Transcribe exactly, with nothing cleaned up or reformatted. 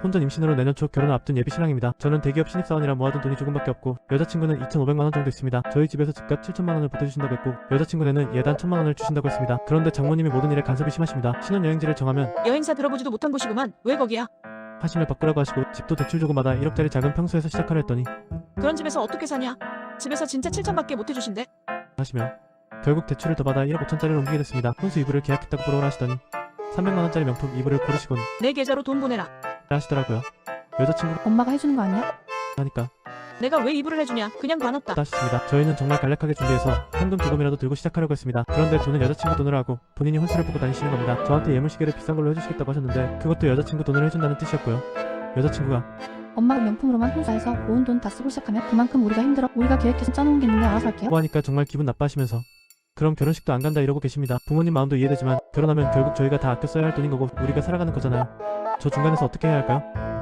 혼전 임신으로 내년 초 결혼을 앞둔 예비 신랑입니다. 저는 대기업 신입사원이라 모아둔 돈이 조금밖에 없고 여자친구는 이천오백만 원 정도 있습니다. 저희 집에서 집값 칠천만 원을 보태주신다고 했고 여자친구네는 예단 천만 원을 주신다고 했습니다. 그런데 장모님이 모든 일에 간섭이 심하십니다. 신혼여행지를 정하면 여행사 들어보지도 못한 곳이구만. 왜 거기야? 하심을 바꾸라고 하시고 집도 대출 조금마다 일억짜리 작은 평수에서 시작하려 했더니 그런 집에서 어떻게 사냐? 집에서 진짜 칠천밖에 못 해주신대. 하시며 결국 대출을 더 받아 일억 오천짜리를 옮기게 됐습니다. 혼수 이불을 계약했다고 부러워라 하시더니 삼백만 원짜리 명품 이불을 고르시곤 내 계좌로 돈 보내라. 하시더라고요. 여자친구가 엄마가 해주는 거 아니야? 하니까 내가 왜 이불을 해주냐? 그냥 봐놨다. 하셨습니다. 저희는 정말 간략하게 준비해서 현금 조금이라도 들고 시작하려고 했습니다. 그런데 돈은 여자친구 돈으로 하고 본인이 혼수를 보고 다니시는 겁니다. 저한테 예물시계를 비싼 걸로 해주시겠다고 하셨는데 그것도 여자친구 돈으로 해준다는 뜻이었고요. 여자친구가 엄마가 명품으로만 혼자해서 모은 돈 다 쓰고 시작하면 그만큼 우리가 힘들어. 우리가 계획해서 짜놓은 게 있는데 알아서 할게요. 뭐 하니까 정말 기분 나빠하시면서 그럼 결혼식도 안 간다 이러고 계십니다. 부모님 마음도 이해되지만 결혼하면 결국 저희가 다 아껴 써야 할 돈인 거고 우리가 살아가는 거잖아요. 저 중간에서 어떻게 해야 할까요?